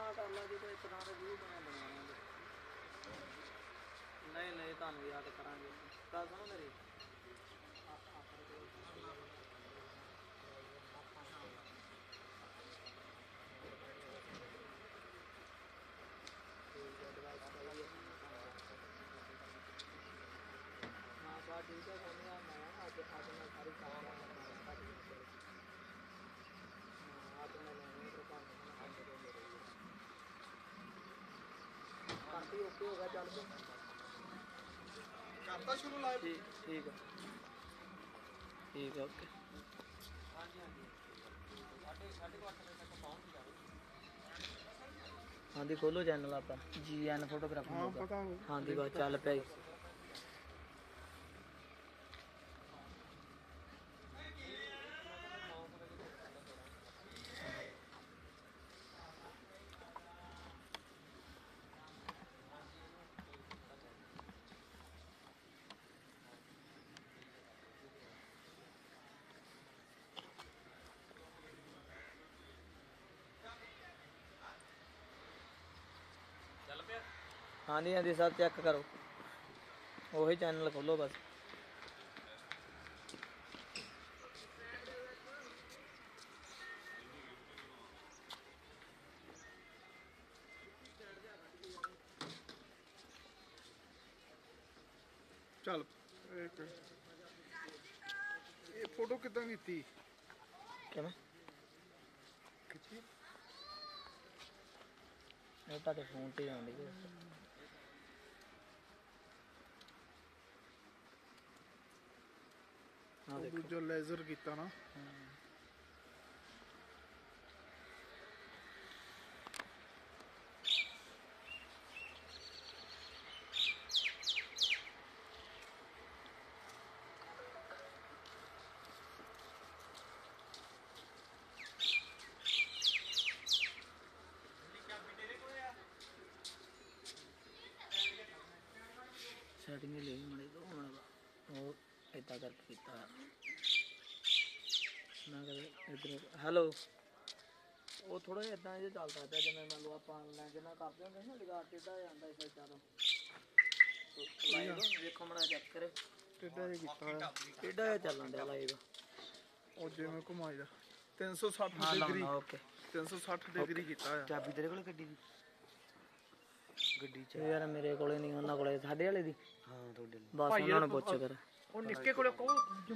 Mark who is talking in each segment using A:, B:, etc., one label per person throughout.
A: ਕਰ ਲਾ ਜੇ ਕੋਈ ਤਰ੍ਹਾਂ ਦੇ ਵੀਊ ਬਣਾਉਣੇ ਨਹੀਂ ਨਹੀਂ ਤੁਹਾਨੂੰ ਯਾਦ ਕਰਾਂਗੇ ਗੱਲ ਸੁਣੋ ਮੇਰੀ ਹਾਂ ਬਾ ਠੀਕ ਹੈ ਮੈਂ ਅੱਜ ਮੈਂ ਸਾਰੀ ਕੰਮ ਅੱਜ ਮੈਂ ਲੈਣੀ ਕਾਫੀ ਓਕੇ ਹੋ ਗਿਆ ਚੱਲ ਪਏ
B: ਕਰਤਾ ਸ਼ੁਰੂ ਲਾਈਵ
A: ਠੀਕ ਹੈ ਓਕੇ ਹਾਂਜੀ ਸਾਢੇ 8 ਵਜੇ ਤੱਕ ਪਹੁੰਚ ਜਾਵੇ ਹਾਂਜੀ ਖੋਲੋ ਚੈਨਲ ਆਪਾਂ GN ਫੋਟੋਗ੍ਰਾਫੀ
B: ਹਾਂ ਪਤਾ
A: ਹਾਂਜੀ ਬਸ ਚੱਲ ਪਿਆ ਜੀ ਹਾਂਜੀ ਹਾਂਜੀ ਸਰ ਚੈੱਕ ਕਰੋ ਉਹੀ ਚੈਨਲ ਖੋਲੋ ਬਸ
B: ਚੱਲ ਇਹ ਫੋਟੋ ਕਿੱਦਾਂ ਕੀਤੀ
A: ਕਿਵੇਂ
B: ਖਿੱਚੀ
A: ਇਹ ਤੁਹਾਡੇ ਫੋਨ ਤੇ ਆਉਂਦੀ ਹੈ ਹਾਂ ਦੇਖੋ
B: ਦੂਜਾ ਲੇਜ਼ਰ ਕੀਤਾ ਨਾ
A: ਸੈਟਿੰਗ ਲੈ ਮੜੇ ਦੋ ਹੁਣ ਉਹ ਇਦਾਂ ਕਰਕੇ ਕੀਤਾ ਮੈਂ ਕਹਿੰਦਾ ਇੱਧਰ ਹੈਲੋ ਉਹ ਥੋੜਾ ਜਿਹਾ ਇਦਾਂ ਜਿਹਾ ਚੱਲਦਾ ਪਿਆ ਜਿਵੇਂ ਮੰਨ ਲਓ ਆਪਾਂ ਆਨਲਾਈਨ ਜਿੰਨਾ ਕਰਦੇ ਹੁੰਦੇ ਨਾ ਲਗਾ ਟੇਢਾ ਜਾਂਦਾ ਇਸ ਸਾਈਡ ਤੋਂ ਦੇਖੋ ਮੜਾ ਚੈੱਕ ਕਰੇ
B: ਟੇਢਾ ਜਿਹਾ ਕੀਤਾ ਹੋਇਆ
A: ਟੇਢਾ ਜਿਹਾ ਚੱਲਣ ਡਿਆ ਲਾਈਵ
B: ਉਹ ਜਿਵੇਂ ਘੁਮਾਈਦਾ 360 ਡਿਗਰੀ
A: ਓਕੇ
B: 360 ਡਿਗਰੀ ਕੀਤਾ ਹੋਇਆ
A: ਚਾਬੀ ਤੇਰੇ ਕੋਲ ਗੱਡੀ ਚ ਯਾਰ ਮੇਰੇ ਕੋਲੇ ਨਹੀਂ ਉਹਨਾਂ ਕੋਲੇ ਸਾਡੇ ਵਾਲੇ ਦੀ ਹਾਂ ਤੁਹਾਡੇ ਲਈ ਬਸ ਉਹਨਾਂ ਨੂੰ ਪੁੱਛ ਕਰ
B: ਉਹ ਨਿੱਕੇ ਕੋਲੇ ਕਹੋ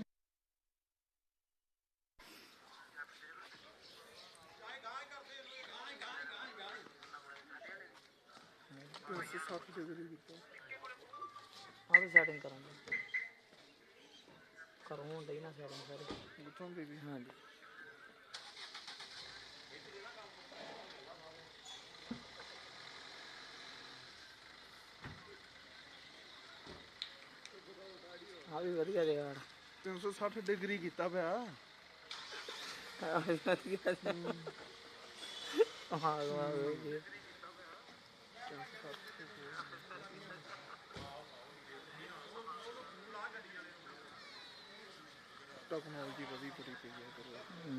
B: 360 ਡਿਗਰੀ ਕੀਤਾ
A: ਆਹ ਵੀ ਸੈਟਿੰਗ ਕਰਾਂਗੇ ਕਰੋ ਹੁਣ ਡਈ ਨਾ ਸੈਟਿੰਗ ਸਾਰੀ
B: ਬੁੱਤਾਂ ਦੀ ਵੀ
A: ਹਾਂਜੀ ਆ ਵੀ ਵਧੀਆ ਦੇ ਯਾਰ
B: 360 ਡਿਗਰੀ ਕੀਤਾ ਪਿਆ
A: ਹਾਂ
B: ਟੈਕਨੋਲੋਜੀ ਵਧੀ ਬੜੀ ਪਈ ਹੈ ਕਰੋ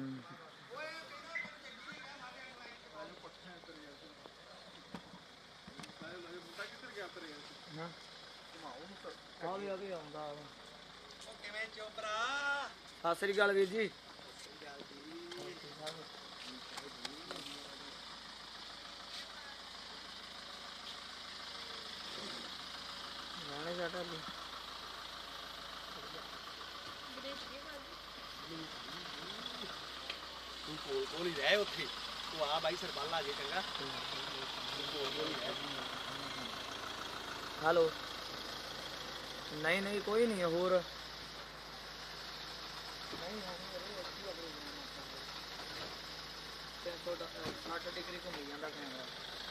A: ਆ ਵੀ ਆਉਂਦਾ ਕਿਵੇਂ ਚੋਪਰਾ ਸਤਿ ਸ੍ਰੀ ਅਕਾਲ ਵੀਰ ਜੀ ਗਾਣੇ ਸਾਡਾ ਲਈ
C: ਤੂੰ ਕੋਲ ਹੀ ਰਹਿ ਉੱਥੇ ਤੂੰ ਆ ਬਾਈ ਸਰਬਾਲਾ ਜੇ ਚੰਗਾ
A: ਹੈਲੋ ਨਹੀਂ ਨਹੀਂ ਕੋਈ ਨਹੀਂ ਹੋਰ ਨਹੀਂ 360 ਡਿਗਰੀ ਘੁੰਮੀ ਜਾਂਦਾ ਕੈਮਰਾ